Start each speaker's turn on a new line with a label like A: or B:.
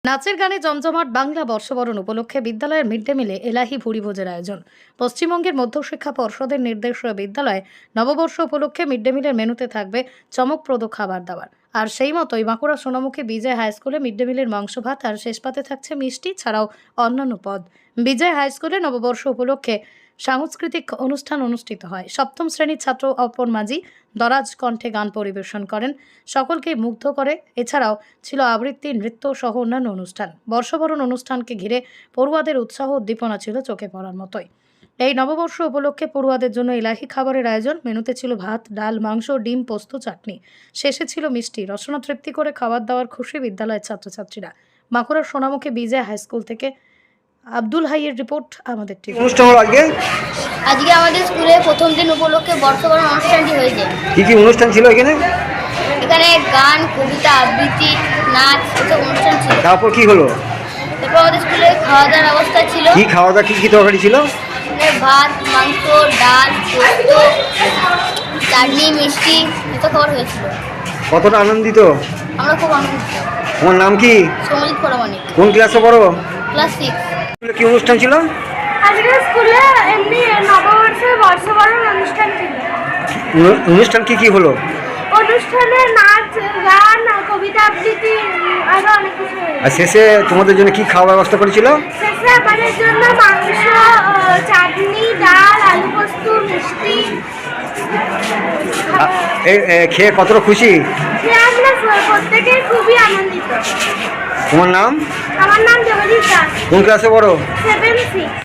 A: নাচের গানে জমজমাট বাংলা বর্ষবরণ উপলক্ষে বিদ্যালয়ের মিড ডে মিলে এলাহি ভুরিভোজের আয়োজন। পশ্চিমবঙ্গের মধ্যশিক্ষা পর্ষদের নির্দেশে বিদ্যালয়ে নববর্ষ উপলক্ষে মিড ডে মিলের মেনুতে থাকবে চমকপ্রদ খাবার দাবার। আর সেই মতোই বাঁকুড়া সোনামুখী বিজয় হাই স্কুলে মিড ডে মিলের মাংস ভাত আর শেষ পাতে থাকছে মিষ্টি ছাড়াও অন্যান্য পদ। বিজয় হাই স্কুলে নববর্ষ উপলক্ষে সাংস্কৃতিক অনুষ্ঠান অনুষ্ঠিত হয়। সপ্তম শ্রেণীর ছাত্র অপর মাঝি দরাজ কণ্ঠে গান পরিবেশন করেন, সকলকে মুগ্ধ করে। এছাড়াও ছিল আবৃত্তি, নৃত্য সহ অন্যান্য অনুষ্ঠান। বর্ষবরণ অনুষ্ঠানকে ঘিরে পড়ুয়াদের উৎসাহ উদ্দীপনা ছিল চোখে পড়ার মতোই। এই নববর্ষ উপলক্ষে পড়ুয়াদের জন্য এলাহি খাবারের আয়োজন। মেনুতে ছিল ভাত, ডাল, মাংস, ডিম, পোস্ত, চাটনি। শেষে ছিল মিষ্টি। রসনা তৃপ্তি করে খাবার দাওয়ার খুশি বিদ্যালয়ের ছাত্রছাত্রীরা। বাঁকুড়ার সোনামুখী বিজয় হাই স্কুল থেকে আব্দুল হাইয়ের রিপোর্ট আমাদের টিভি।
B: অনুষ্ঠান হলো
C: আজকে আমাদের স্কুলে প্রথম দিন উপলক্ষে বর্ষবরণ অনুষ্ঠানটি হয়েছে।
B: কি অনুষ্ঠান ছিল এখানে?
C: এখানে গান, কবিতা, আবৃত্তি, নাচ এসব অনুষ্ঠান ছিল।
B: তারপর কি হলো?
C: তারপর আমাদের স্কুলে খাওয়া দাওয়ার ব্যবস্থা ছিল।
B: কি খাওয়া দাওয়া, কি তরকারি ছিল?
C: ভাত, মাংস, ডাল, পোস্ত, চাটনি, মিষ্টি এসব খাবার হয়েছিল।
B: কতটা আনন্দিত?
C: আমরা খুব আনন্দিত।
B: তোমার নাম কি?
C: সৌমিত পরামানিক,
B: কোন ক্লাসে পড়ো?
C: ক্লাস 6।
B: কি অনুষ্ঠান ছিল?
D: আজকে স্কুলে এমনি নববর্ষের বর্ষবরণ অনুষ্ঠান ছিল।
B: অনুষ্ঠান কি হলো?
D: অনুষ্ঠানে নাচ, গান, কবিতা, আবৃত্তি আরো অনেক কিছু হয়েছে।
B: আর শেষে তোমাদের জন্য কি খাওয়ার ব্যবস্থা করেছিল?
D: শেষে আমাদের জন্য মাংস, চাটনি, ডাল, আলু পোস্ত, মিষ্টি
B: খেয়ে কতটা খুশি?
D: আমরা প্রত্যেকে খুবই আনন্দিত।
B: তোমার নাম?
D: আমার নাম জগদীশ দাস,
B: কোন ক্লাসে পড়ো?
D: 7C।